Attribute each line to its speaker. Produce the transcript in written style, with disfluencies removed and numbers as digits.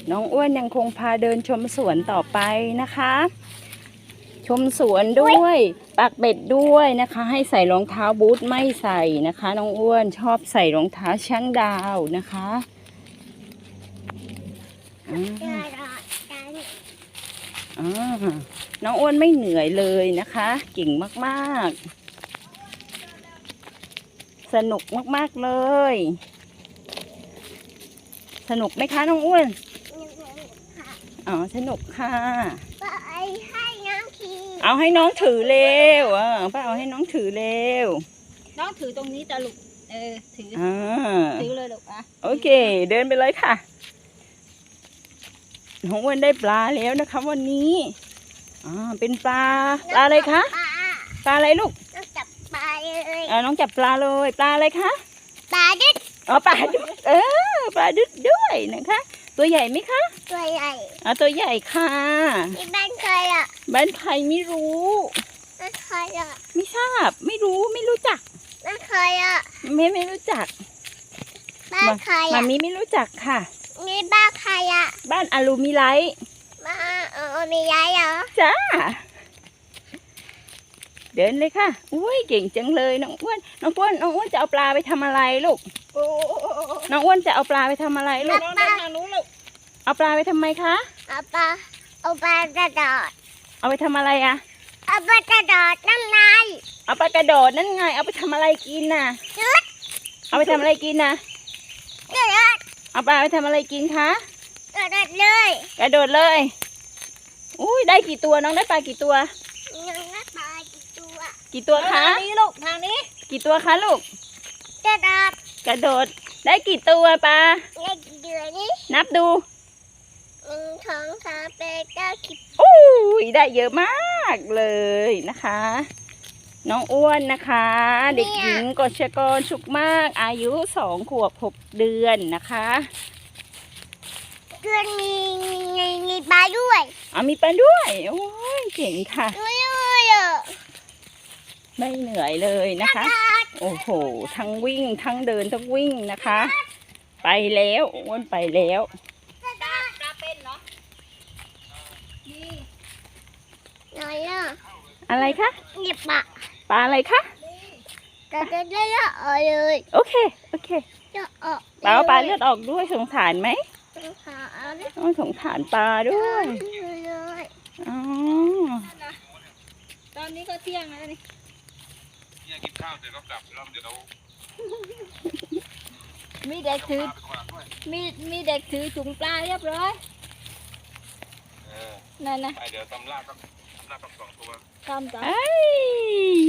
Speaker 1: น้องอ้วนยังคงพาเดินชมสวนต่อไปนะคะ ชมสวนด้วยปักเบ็ดด้วยนะคะ ให้ใส่รองเท้าบูทไม่ใส่นะคะ น้องอ้วนชอบใส่รองเท้าช้างดาวนะคะน้องอ้วนไม่เหนื่อยเลยนะคะเก่งมากๆสนุกมากๆเลยสนุกไหมคะน้องอ้วนอ๋อสนุกค่ะเอาให้น้องถือเร็วป้าเอาให้น้องถือเร็ว
Speaker 2: น้องถือตรงนี้จะลูกถือถือเลยลูก
Speaker 1: โอเคเดินไปเลยค่ะน้องอ้วนได้ปลาแล้วนะคะวันนี้เป็นปลาอะไรคะปลาอะไรลูก
Speaker 3: น้องจับปลาเลย
Speaker 1: น้องจับปลาเลยปลาอะไรคะ
Speaker 3: ปลาดึก
Speaker 1: ปลาดึกปลาดึกด้วยนะคะตัวใหญ่ไหมคะ
Speaker 3: ตัวใหญ่
Speaker 1: ตัวใหญ่ค่ะ
Speaker 3: ที่บ้านใคร
Speaker 1: บ้านใครไม่รู้
Speaker 3: บ้านใคร
Speaker 1: ไม่ทราบไม่รู้จัก
Speaker 3: บ้านใคร
Speaker 1: ไม่รู้จัก
Speaker 3: บ้านใคร
Speaker 1: มามีไม่รู้จักค่ะ
Speaker 3: นี่บ้านใคร
Speaker 1: บ้านอลูมิไลท์
Speaker 3: บ้านมียายเหรอ
Speaker 1: จ้าเดินเลยค่ะอุ้ยเก่งจังเลยน้องอ้วนจะเอาปลาไปทำอะไรลูกน้องอ้วนจะเอาปลาไปทำอะไรลูกเอาปลาไปทำไมคะ
Speaker 3: เอาปลากระโดด
Speaker 1: เอาไปทำอะไร
Speaker 3: เอาปลากระโดดน้ำใน
Speaker 1: เอาปลากระโดดนั่นไงเอาไปทำอะไรกินเอาไปทำอะไรกินเอาปลาไปทำอะไรกินคะ
Speaker 3: กระโดดเลย
Speaker 1: อุ้ยได้กี่ตัวน้องได้ปลากี่ตัว
Speaker 3: น้องได้ปลา
Speaker 1: กี่ตัวคะ
Speaker 2: ทางนี้ลูกทางนี้
Speaker 1: กี่ตัวคะลูก
Speaker 3: กระโดด
Speaker 1: ได้กี่ตัวปลา
Speaker 3: ได้กี่ตัวนี่
Speaker 1: นับดู
Speaker 3: 1 2 3 8 9 10
Speaker 1: อุ้ยได้เยอะมากเลยนะคะน้องอ้วนนะคะเด็กหญิงกฤษกรสุขมากอายุ2 ขวบ 6 เดือนนะคะ
Speaker 3: เดือนมีปลาด้วย
Speaker 1: มีปลาด้วยโอ้ยเก่งค่ะไม่เหนื่อยเลยนะคะโอ้โหทั้งวิ่งทั้งเดินทั้งวิ่งนะคะไปแล้วอ้วนไปแล้ว
Speaker 2: ปลาเป็นเนาะนี่
Speaker 1: อะไรคะ
Speaker 3: นี่ป
Speaker 1: ลาอะไรคะ
Speaker 3: จะได้เลือดออกเลย
Speaker 1: โอเคปลาเลือดออกด้วยสงสารไหมสงสารปลาด้วย
Speaker 2: ตอนนี้ก็เที่ยงแล้วนี่
Speaker 4: กินข้าวเสร็จก็กลับแล้วเดี๋ยวเรา
Speaker 2: มีเด็กถือมีเด็กถือถุงปลาเรียบร้อยนั่นนะ
Speaker 4: เดี๋ยวตำลาบ2 ตัว
Speaker 2: ตำ